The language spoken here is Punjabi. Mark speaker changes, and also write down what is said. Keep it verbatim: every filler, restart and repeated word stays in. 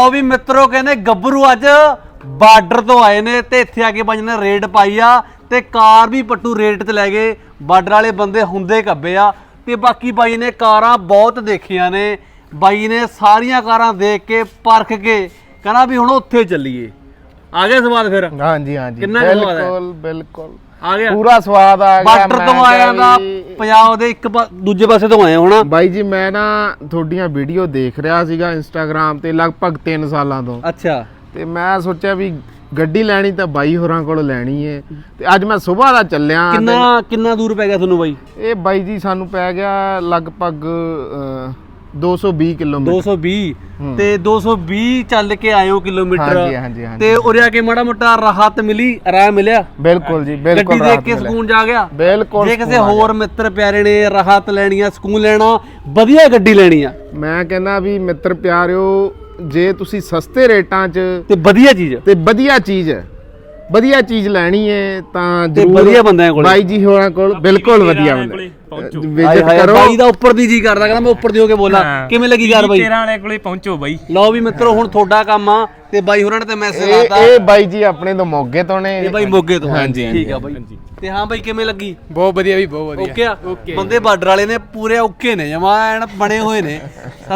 Speaker 1: ਲਓ ਵੀ ਮਿੱਤਰੋ ਕਹਿੰਦੇ ਗੱਭਰੂ ਅੱਜ ਬਾਰਡਰ ਤੋਂ ਆਏ ਨੇ ਤੇ ਇੱਥੇ ਆ ਕੇ ਬਾਈ ਨੇ ਰੇਡ ਪਾਈ ਆ ਤੇ ਕਾਰ ਵੀ ਪੱਟੂ ਰੇਟ ਤੇ ਲੈ ਗਏ। ਬਾਰਡਰ ਵਾਲੇ ਬੰਦੇ ਹੁੰਦੇ ਕੱਬੇ ਆ ਤੇ ਬਾਕੀ ਬਾਈ ਨੇ ਕਾਰਾਂ ਬਹੁਤ ਦੇਖੀਆਂ ਨੇ। ਬਾਈ ਨੇ ਸਾਰੀਆਂ ਕਾਰਾਂ ਦੇਖ ਕੇ ਪਰਖ ਕੇ ਕਹਿੰਦਾ ਵੀ ਹੁਣ ਉੱਥੇ ਚੱਲੀਏ। ਆ ਗਿਆ ਸਵਾਦ ਫਿਰ?
Speaker 2: ਹਾਂਜੀ ਹਾਂਜੀ
Speaker 1: ਕਿੰਨਾ ਕੁ ਸਵਾਦ ਹੈ?
Speaker 2: ਬਿਲਕੁਲ ਬਿਲਕੁਲ
Speaker 1: ਆ ਗਿਆ
Speaker 2: ਪੂਰਾ ਸਵਾਦ ਆ ਗਿਆ।
Speaker 1: ਬਾਰਡਰ ਤੋਂ ਆਇਆ ਦਾ ਪੰਜਾਬ ਦੇ ਇੱਕ ਦੂਜੇ ਪਾਸੇ ਤੋਂ ਆਏ ਹੋਣਾ
Speaker 2: ਬਾਈ ਜੀ। ਮੈਂ ਨਾ ਤੁਹਾਡੀਆਂ ਵੀਡੀਓ ਦੇਖ ਰਿਹਾ ਸੀਗਾ ਇੰਸਟਾਗ੍ਰਾਮ ਤੇ ਲਗਭਗ ਤਿੰਨ ਸਾਲਾਂ ਤੋਂ।
Speaker 1: ਅੱਛਾ।
Speaker 2: ਤੇ ਮੈਂ ਸੋਚਿਆ ਵੀ ਗੱਡੀ ਲੈਣੀ ਤਾਂ ਬਾਈ ਹੋਰਾਂ ਕੋਲ ਲੈਣੀ ਏ ਤੇ ਅੱਜ ਮੈਂ ਸਵੇਰ ਦਾ ਚੱਲਿਆ।
Speaker 1: ਕਿੰਨਾ ਕਿੰਨਾ ਦੂਰ ਪੈ ਗਿਆ ਤੁਹਾਨੂੰ ਬਾਈ?
Speaker 2: ਇਹ ਬਾਈ ਜੀ ਸਾਨੂੰ ਪੈ ਗਿਆ ਲਗਭਗ ਦੋ ਸੌ ਵੀਹ ਕਿਲੋਮੀਟਰ।
Speaker 1: ਦੋ ਸੌ ਵੀਹ ਤੇ ਦੋ ਸੌ ਵੀਹ ਚੱਲ ਕੇ ਆਇਓ ਕਿਲੋਮੀਟਰ।
Speaker 2: ਹਾਂਜੀ ਹਾਂਜੀ ਹਾਂਜੀ।
Speaker 1: ਤੇ ਉਰੇ ਆ ਕੇ ਮਾੜਾ ਮੋਟਾ ਰਾਹਤ ਮਿਲੀ, ਆਰਾਮ ਮਿਲਿਆ?
Speaker 2: ਬਿਲਕੁਲ ਜੀ ਬਿਲਕੁਲ।
Speaker 1: ਗੱਡੀ ਦੇਖ ਕੇ ਸਕੂਨ ਜਾ ਗਿਆ?
Speaker 2: ਬਿਲਕੁਲ।
Speaker 1: ਜੇ ਕਿਸੇ ਹੋਰ ਮਿੱਤਰ ਪਿਆਰੇ ਨੇ ਰਾਹਤ ਲੈਣੀ ਆ, ਸਕੂਨ ਲੈਣਾ, ਵਧੀਆ ਗੱਡੀ ਲੈਣੀ ਆ,
Speaker 2: ਮੈਂ ਕਹਿੰਦਾ ਵੀ ਮਿੱਤਰ ਪਿਆਰਿਓ, ਜੇ ਤੁਸੀਂ ਸਸਤੇ ਰੇਟਾਂ 'ਚ
Speaker 1: ਤੇ ਵਧੀਆ ਚੀਜ਼
Speaker 2: ਤੇ ਵਧੀਆ ਚੀਜ਼ ਵਧੀਆ ਚੀਜ਼ ਲੈਣੀ ਹੈ ਤਾਂ
Speaker 1: ਤੇ
Speaker 2: ਜ਼ਰੂਰ
Speaker 1: ਵਧੀਆ ਬੰਦਿਆਂ ਕੋਲ
Speaker 2: ਬਾਈ ਜੀ ਹੋਰਾਂ ਕੋਲ ਬਿਲਕੁਲ ਵਧੀਆ ਬੰਦੇ ਵਿਜ਼ਿਟ ਕਰੋ।
Speaker 1: ਬਾਈ ਦਾ ਉੱਪਰ ਦੀ ਜੀ ਕਰਦਾ, ਕਹਿੰਦਾ ਮੈਂ ਉੱਪਰ ਦੀ ਹੋ ਕੇ ਬੋਲਾਂ। ਕਿਵੇਂ ਲੱਗੀ ਯਾਰ ਬਾਈ?
Speaker 3: ਤੇਰਾਂ ਵਾਲੇ ਕੋਲੇ ਪਹੁੰਚੋ ਬਾਈ।
Speaker 1: ਲਓ ਵੀ ਮਿੱਤਰੋ ਹੁਣ ਤੁਹਾਡਾ ਕੰਮ ਆ ਤੇ ਬਾਈ ਹੋਰਾਂ ਨੇ ਤੇ ਮੈਸੇਜ
Speaker 2: ਇਹ
Speaker 1: ਲਾਤਾ।
Speaker 2: ਇਹ ਬਾਈ ਜੀ ਆਪਣੇ ਤੋਂ ਮੋਗੇ ਤੋਂ ਨੇ।
Speaker 1: ਇਹ ਬਾਈ ਮੋਗੇ ਤੋਂ।
Speaker 2: ਹਾਂਜੀ
Speaker 1: ਠੀਕ ਆ ਬਾਈ। ਤੇ ਹਾਂ ਬਾਈ ਕਿਵੇਂ ਲੱਗੀ?
Speaker 3: ਬਹੁਤ ਵਧੀਆ ਵੀ ਬਹੁਤ ਵਧੀਆ।
Speaker 1: ਓਕੇ ਆ? ਬੰਦੇ ਬਾਰਡਰ ਵਾਲੇ ਨੇ ਪੂਰੇ ਓਕੇ ਨੇ, ਜਮਾ ਐਨ ਬਣੇ ਹੋਏ ਨੇ।